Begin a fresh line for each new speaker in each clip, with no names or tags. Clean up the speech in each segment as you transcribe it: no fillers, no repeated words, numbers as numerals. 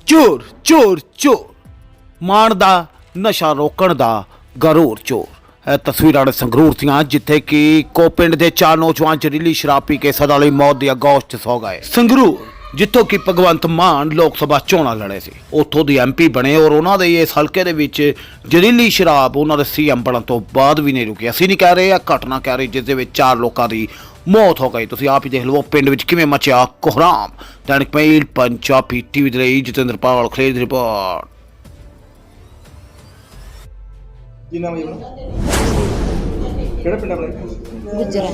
ਚੋਰ ਚੋਰ ਚੋਰ ਮਾਣ ਦਾ ਨਸ਼ਾ ਰੋਕਣ ਦਾ ਗਰੂਰ ਚੋਰ। ਇਹ ਤਸਵੀਰਾਂ ਨੇ ਸੰਗਰੂਰ ਦੀਆਂ ਜਿੱਥੇ ਕਿ ਕੋ ਪਿੰਡ ਦੇ 4 ਨੌਜਵਾਨ ਜ਼ਹਿਰੀਲੀ ਸ਼ਰਾਬ ਪੀ ਕੇ ਸਦਾ ਲਈ ਮੌਤ ਦੀ ਆਗੋਸ਼ 'ਚ ਸੌ ਗਏ। ਸੰਗਰੂਰ ਜਿੱਥੋਂ ਕਿ ਭਗਵੰਤ ਮਾਨ ਲੋਕ ਸਭਾ ਚੋਣਾਂ ਲੜੇ ਸੀ, ਉੱਥੋਂ ਦੀ ਐਮਪੀ ਬਣੇ ਔਰ ਉਹਨਾਂ ਦੇ ਇਸ ਹਲਕੇ ਦੇ ਵਿੱਚ ਜ਼ਹਿਰੀਲੀ ਸ਼ਰਾਬ ਉਹਨਾਂ ਦੇ ਸੀਐਮ ਬਣਨ ਤੋਂ ਬਾਅਦ ਵੀ ਨਹੀਂ ਰੁਕੀ। ਅਸੀਂ ਨਹੀਂ ਕਹਿ ਰਹੇ, ਇਹ ਘਟਨਾ ਕਹਿ ਰਹੇ ਜਿਸ ਦੇ ਵਿੱਚ 4 ਲੋਕਾਂ ਦੀ ਮੌਤ ਹੋ ਗਈ। ਤੁਸੀਂ ਆਪ ਹੀ ਦੇਖ ਲਓ ਪਿੰਡ ਵਿੱਚ ਕਿਵੇਂ ਮਚਿਆ ਕੋਹਰਾਮ। ਦੈਨਿਕ ਮੇਲ ਪੰਜਾਬੀ ਟੀਵੀ ਦੇ ਲਈ ਜਤਿੰਦਰ ਪਾਲ ਖਲੇਰ ਦੀ ਰਿਪੋਰਟ।
ਕੀ ਨਾਮ ਹੈ ਜੀ ਆਪਣਾ? ਕਿਹੜਾ ਪਿੰਡ ਆਪਣਾ?
ਗੁੱਜਰਾਂ।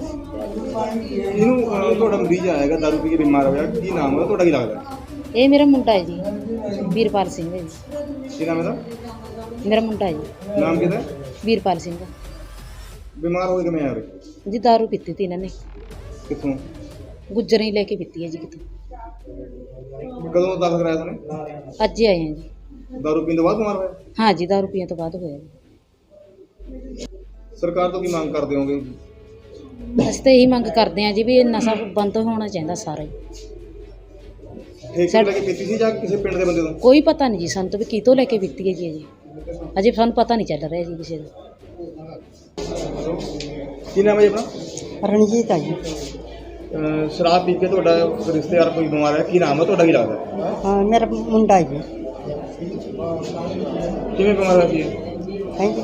ਇਹਨੂੰ ਤੁਹਾਡਾ ਮਰੀਜ਼ ਆਏਗਾ ਦਾਰੂ ਪੀ ਕੇ ਬਿਮਾਰ ਹੋਇਆ, ਕੀ ਨਾਮ ਹੈ ਤੁਹਾਡਾ, ਕੀ ਲੱਗਦਾ?
ਇਹ ਮੇਰਾ ਮੁੰਡਾ ਹੈ ਜੀ, ਵੀਰਪਾਲ ਸਿੰਘ ਹੈ ਜੀ।
ਕੀ ਨਾਮ ਇਹਦਾ?
ਮੇਰਾ ਮੁੰਡਾ ਹੈ ਜੀ,
ਨਾਮ ਕਿਹਦਾ?
ਵੀਰਪਾਲ ਸਿੰਘ।
ਬਿਮਾਰ ਹੋਏ ਕਿਵੇਂ ਆ ਰਹੇ?
ਜੀ ਦਾਰੂ ਪੀਤੀ ਤੀ ਇਹਨਾਂ ਨੇ,
ਕਿੱਥੋਂ?
ਗੁੱਜਰਾਂ ਹੀ ਲੈ ਕੇ ਪੀਤੀ ਹੈ ਜੀ ਕਿਤੋਂ।
ਕਦੋਂ ਦਾਖਲ ਕਰਾਇਆ ਤੁਹਾਨੂੰ?
ਅੱਜ ਹੀ ਆਏ ਹਾਂ ਜੀ।
ਦਾਰੂ ਪੀਣ ਤੋਂ ਬਾਅਦ ਬਿਮਾਰ ਹੋਇਆ?
ਹਾਂ ਜੀ, ਦਾਰੂ ਪੀਣ ਤੋਂ ਬਾਅਦ ਹੋਇਆ ਜੀ।
ਸਰਕਾਰ ਤੋਂ ਕੀ ਮੰਗ ਕਰਦੇ ਹੋਗੇ?
ਅਸੀਂ ਤਾਂ ਇਹੀ ਮੰਗ ਕਰਦੇ ਹਾਂ ਜੀ ਵੀ ਇਹ ਨਸ਼ਾ ਬੰਦ ਹੋਣਾ ਚਾਹੀਦਾ ਸਾਰਾ ਹੀ।
ਠੇਕੇ ਲੈ ਕੇ ਪੀਤੀ ਸੀ ਜਾਂ ਕਿਸੇ ਪਿੰਡ ਦੇ ਬੰਦੇ ਤੋਂ?
ਕੋਈ ਪਤਾ ਨਹੀਂ ਜੀ ਸਾਨੂੰ ਤਾਂ ਵੀ ਕਿਤੋਂ ਲੈ ਕੇ ਪੀਤੀ ਹੈ ਜੀ ਅਜੇ ਸਾਨੂੰ ਪਤਾ ਨਹੀਂ ਚੱਲ ਰਿਹਾ ਜੀ ਕਿਸੇ ਦਾ।
ਕੀ ਨਾਮ ਹੈ ਜੀ ਆਪਣਾ?
ਰਣਜੀਤ ਆ ਜੀ।
ਸ਼ਰਾਬ ਪੀ ਕੇ ਤੁਹਾਡਾ ਰਿਸ਼ਤੇਦਾਰ ਕੋਈ ਬਿਮਾਰ ਹੈ, ਕੀ ਨਾਮ ਹੈ ਤੁਹਾਡਾ, ਕੀ ਲੱਗਦਾ?
ਹਾਂ, ਮੇਰਾ ਮੁੰਡਾ ਹੈ ਜੀ।
ਕਿਵੇਂ ਬਿਮਾਰ ਹੋਇਆ ਸੀ?
ਹਾਂਜੀ,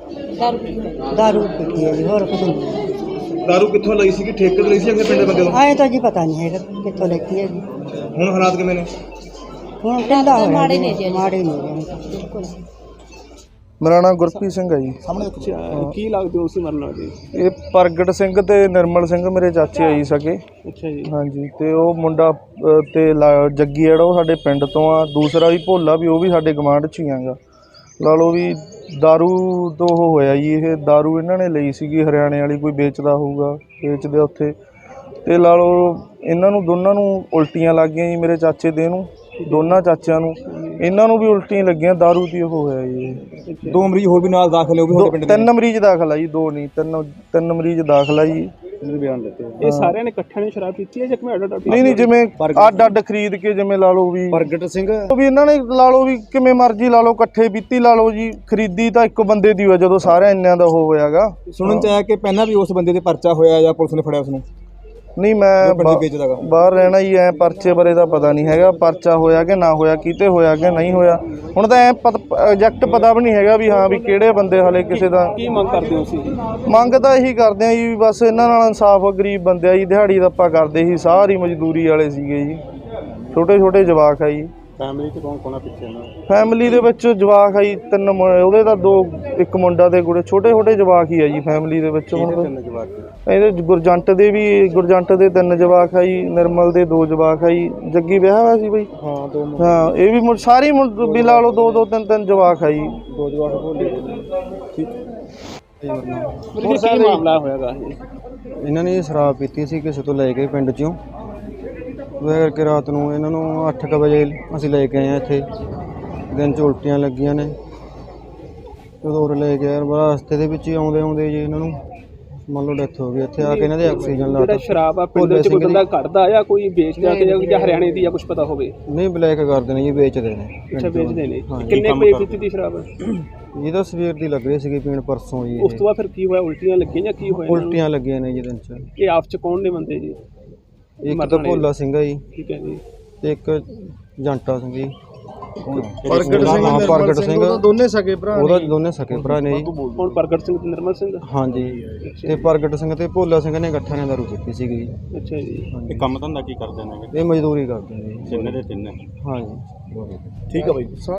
ਦਾਰੂ ਪੀਤੀ ਹੈ ਜੀ, ਹੋਰ ਕੁਝ ਨਹੀਂ।
ਦਾਰੂ ਕਿੱਥੋਂ ਲਈ ਸੀ, ਕਿ ਠੇਕੇ ਤੋਂ ਲਈ ਸੀ ਜਾਂ ਕਿਸੇ ਪਿੰਡ ਦੇ ਬੰਦੇ ਤੋਂ?
ਆਏ ਤਾਂ ਜੀ ਪਤਾ ਨਹੀਂ ਹੈਗਾ ਕਿੱਥੋਂ ਲੈਤੀ ਹੈ ਜੀ।
ਹੁਣ ਹਾਲਾਤ ਕਿਵੇਂ ਨੇ?
ਹੁਣ ਢਿੱਲਾ ਹੋਇਆ ਮਾੜੇ ਨੇ ਜੀ, ਮਾੜੇ ਨੇ ਬਿਲਕੁਲ।
ਮੇਰਾ ਨਾਮ ਗੁਰਪ੍ਰੀਤ ਸਿੰਘ ਹੈ ਜੀ।
ਕੀ ਲੱਗਦੇ ਹੋ ਤੁਸੀਂ ਮਰਨ ਵਾਲੇ?
ਇਹ ਪ੍ਰਗਟ ਸਿੰਘ ਤੇ ਨਿਰਮਲ ਸਿੰਘ ਮੇਰੇ ਚਾਚੇ ਆ ਜੀ ਸਕੇ।
ਅੱਛਾ ਜੀ।
ਹਾਂਜੀ, ਤੇ ਉਹ ਮੁੰਡਾ ਤੇ ਜੱਗੀ ਜਿਹੜਾ ਉਹ ਸਾਡੇ ਪਿੰਡ ਤੋਂ ਆ। ਦੂਸਰਾ ਵੀ ਭੋਲਾ ਵੀ, ਉਹ ਵੀ ਸਾਡੇ ਗਵਾਂਢ 'ਚ ਹੀ ਆਗਾ। ਲਾ ਲਓ ਵੀ ਦਾਰੂ ਤੋਂ ਉਹ ਹੋਇਆ ਜੀ। ਇਹ ਦਾਰੂ ਇਹਨਾਂ ਨੇ ਲਈ ਸੀਗੀ ਹਰਿਆਣੇ ਵਾਲੀ, ਕੋਈ ਵੇਚਦਾ ਹੋਊਗਾ, ਵੇਚਦੇ ਉੱਥੇ। ਤੇ ਲਾ ਲਓ ਇਹਨਾਂ ਨੂੰ ਦੋਨਾਂ ਨੂੰ ਉਲਟੀਆਂ ਲੱਗ ਗਈਆਂ ਜੀ, ਮੇਰੇ ਚਾਚੇ ਦੇ ਨੂੰ, ਦੋਨਾਂ ਚਾਚਿਆਂ ਨੂੰ, ਇਹਨਾਂ ਨੂੰ ਵੀ ਉਲਟੀਆਂ ਲੱਗੀਆਂ, ਦਾਰੂ ਦੀ ਉਹ ਹੋਇਆ ਜੀ।
2 ਮਰੀਜ਼ ਹੋਰ ਵੀ ਨਾਲ ਦਾਖਲ ਹੋ ਗਏ?
3 ਮਰੀਜ਼ ਦਾਖਲ ਆ ਜੀ, 2 ਨਹੀਂ 3 ਮਰੀਜ਼ ਦਾਖਲ ਆ ਜੀ।
ਬਿਆਨ ਦਿੱਤੇ। ਇਹ ਸਾਰਿਆਂ ਨੇ ਇਕੱਠਿਆਂ ਨੇ ਸ਼ਰਾਬ ਪੀਤੀ ਹੈ ਜਾਂ ਕਿਵੇਂ ਅੱਡ?
ਨਹੀਂ, ਜਿਵੇਂ ਅੱਡ ਖਰੀਦ ਕੇ, ਜਿਵੇਂ ਲਾ ਲਓ ਵੀ
ਪ੍ਰਗਟ ਸਿੰਘ
ਵੀ ਇਹਨਾਂ ਨੇ ਲਾ ਲਓ ਵੀ ਕਿਵੇਂ ਮਰਜ਼ੀ ਲਾ ਲਓ, ਇਕੱਠੇ ਪੀਤੀ ਲਾ ਲਓ ਜੀ। ਖਰੀਦੀ ਤਾਂ ਇੱਕ ਬੰਦੇ ਦੀ ਹੋਇਆ ਜਦੋਂ ਸਾਰਿਆਂ ਇੰਨਿਆਂ ਦਾ ਉਹ ਹੋਇਆਗਾ।
ਸੁਣਨ ਚ ਆਇਆ ਕਿ ਪਹਿਲਾਂ ਵੀ ਉਸ ਬੰਦੇ ਤੇ ਪਰਚਾ ਹੋਇਆ ਜਾਂ ਪੁਲਿਸ ਨੇ ਫੜਿਆ ਉਸ ਨੂੰ?
ਨਹੀਂ, ਮੈਂ ਬਾਹਰ ਰਹਿਣਾ ਜੀ, ਐ ਪਰਚੇ ਬਾਰੇ ਤਾਂ ਪਤਾ ਨਹੀਂ ਹੈਗਾ, ਪਰਚਾ ਹੋਇਆ ਕਿ ਨਾ ਹੋਇਆ, ਕਿਤੇ ਹੋਇਆ ਕਿ ਨਹੀਂ ਹੋਇਆ। ਹੁਣ ਤਾਂ ਐ ਐਗਜ਼ੈਕਟ ਪਤਾ ਵੀ ਨਹੀਂ ਹੈਗਾ ਵੀ ਹਾਂ ਵੀ ਕਿਹੜੇ ਬੰਦੇ ਹਾਲੇ ਕਿਸੇ ਦਾ।
ਕੀ ਮੰਗ ਕਰਦੇ ਹੋ ਤੁਸੀਂ?
ਮੰਗ ਤਾਂ ਇਹੀ ਕਰਦੇ ਆ ਜੀ, ਬਸ ਇਹਨਾਂ ਨਾਲ ਇਨਸਾਫ। ਗਰੀਬ ਬੰਦੇ ਆ ਜੀ, ਦਿਹਾੜੀ ਦਾ ਆਪਾਂ ਕਰਦੇ ਸੀ, ਸਾਰੀ ਮਜ਼ਦੂਰੀ ਵਾਲੇ ਸੀਗੇ ਜੀ, ਛੋਟੇ ਛੋਟੇ ਜਵਾਕ ਆ ਜੀ।
ਫੈਮਿਲੀ ਚ ਕੌਣ ਆ ਪਿੱਛੇ ਨਾਲ?
ਫੈਮਿਲੀ ਦੇ ਵਿੱਚ ਜਵਾਕ ਆ ਜੀ 3, ਉਹਦੇ ਤਾਂ 2, ਇੱਕ ਮੁੰਡਾ ਤੇ ਕੁੜੇ, ਛੋਟੇ ਛੋਟੇ ਜਵਾਕ ਹੀ ਆ ਜੀ ਫੈਮਿਲੀ ਦੇ ਵਿੱਚ। ਹੁਣ ਇਹਦੇ ਗੁਰਜੰਟ ਦੇ ਵੀ, ਗੁਰਜੰਟ ਦੇ 3 ਜਵਾਕ ਆ ਜੀ, ਨਿਰਮਲ ਦੇ 2 ਜਵਾਕ ਆ ਜੀ। ਜੱਗੀ ਵਿਆਹ ਹੋਇਆ ਸੀ ਬਈ?
ਹਾਂ, 2
ਹਾਂ, ਇਹ ਵੀ ਸਾਰੀ ਵੀ ਲਾ ਲਓ 2-2, 3-3 ਜਵਾਕ ਆ ਜੀ।
2 ਜਵਾਕ ਭੋਲੇ। ਠੀਕ ਹੈ। ਕੀ ਮਾਮਲਾ ਹੋਇਆਗਾ?
ਇਹਨਾਂ ਨੇ ਸ਼ਰਾਬ ਪੀਤੀ ਸੀ ਕਿਸੇ ਤੋਂ ਲੈ ਕੇ ਪਿੰਡ 'ਚੋਂ। ਉਹ ਕਰਕੇ ਰਾਤ ਨੂੰ ਇਹਨਾਂ ਨੂੰ 8 ਵਜੇ ਅਸੀਂ ਲੈ ਕੇ ਆਏ ਹਾਂ ਇੱਥੇ। ਦਿਨ 'ਚ ਉਲਟੀਆਂ ਲੱਗੀਆਂ ਨੇ, ਜਦੋਂ ਲੈ ਕੇ ਯਾਰ ਰਸਤੇ ਦੇ ਵਿੱਚ ਹੀ ਆਉਂਦੇ ਜੀ ਇਹਨਾਂ ਨੂੰ ਮੰਨ ਲਓ ਡੈਥ ਹੋ ਗਈ। ਇੱਥੇ ਆ ਕੇ ਇਹਨਾਂ ਦੇ ਆਕਸੀਜਨ ਲਾ ਦਿੱਤਾ।
ਸ਼ਰਾਬ ਆ ਪਿੰਡ ਵਿੱਚ ਕੋਈ ਬੰਦਾ ਕੱਢਦਾ ਜਾਂ ਕੋਈ ਵੇਚਦਾ ਜਾਂ ਹਰਿਆਣੇ ਦੀ ਜਾਂ ਕੁਝ ਪਤਾ ਹੋਵੇ?
ਨਹੀਂ, ਬਲੈਕ ਕਰਦੇ ਨੇ ਜੀ, ਵੇਚਦੇ ਨੇ।
ਅੱਛਾ, ਵੇਚਦੇ ਨੇ। ਕਿੰਨੇ ਕੋਈ ਪੀਤੀ ਦੀ ਸ਼ਰਾਬ?
ਇਹ ਤਾਂ ਸਵੇਰ ਦੀ ਲੱਗ ਰਹੀ ਸੀਗੀ ਪੀਣ, ਪਰਸੋਂ ਜੀ।
ਉਸ ਤੋਂ ਬਾਅਦ ਫਿਰ ਕੀ ਹੋਇਆ? ਉਲਟੀਆਂ ਲੱਗੀਆਂ ਜਾਂ ਕੀ ਹੋਇਆ?
ਉਲਟੀਆਂ ਲੱਗੀਆਂ ਨੇ ਜੀ ਦਿਨ 'ਚ।
ਇਹ ਆਪਸ 'ਚ ਕੌਣ ਨੇ ਬੰਦੇ ਜੀ?
ਇੱਕ ਤਾਂ ਭੋਲਾ ਸਿੰਘ ਆ ਜੀ,
ਠੀਕ ਹੈ ਜੀ,
ਤੇ ਇੱਕ ਜੰਟਾ ਸਿੰਘ ਜੀ।
ਪ੍ਰਗਟ ਸਿੰਘ ਦੋਨੇ ਸਕੇ ਭਰਾ,
ਉਹਦਾ ਦੋਨੇ ਸਕੇ ਭਰਾ ਨੇ ਜੀ।
ਹੁਣ ਪ੍ਰਗਟ ਸਿੰਘ ਤੇ ਨਿਰਮਲ ਸਿੰਘ?
ਹਾਂਜੀ, ਤੇ ਪ੍ਰਗਟ ਸਿੰਘ ਤੇ ਭੋਲਾ ਸਿੰਘ ਨੇ ਇਕੱਠਿਆਂ ਨੇ ਦਾਰੂ ਪੀਤੀ ਸੀਗੀ ਜੀ।
ਅੱਛਾ ਜੀ।
ਇਹ
ਕੰਮ ਧੰਦਾ ਕੀ ਕਰਦੇ ਨੇ?
ਇਹ ਮਜ਼ਦੂਰੀ ਕਰਦੇ ਨੇ ਜੀ।
ਤਿੰਨੇ ਦੇ ਤਿੰਨੇ?
ਹਾਂਜੀ।
ਠੀਕ ਹੈ ਬਾਈ।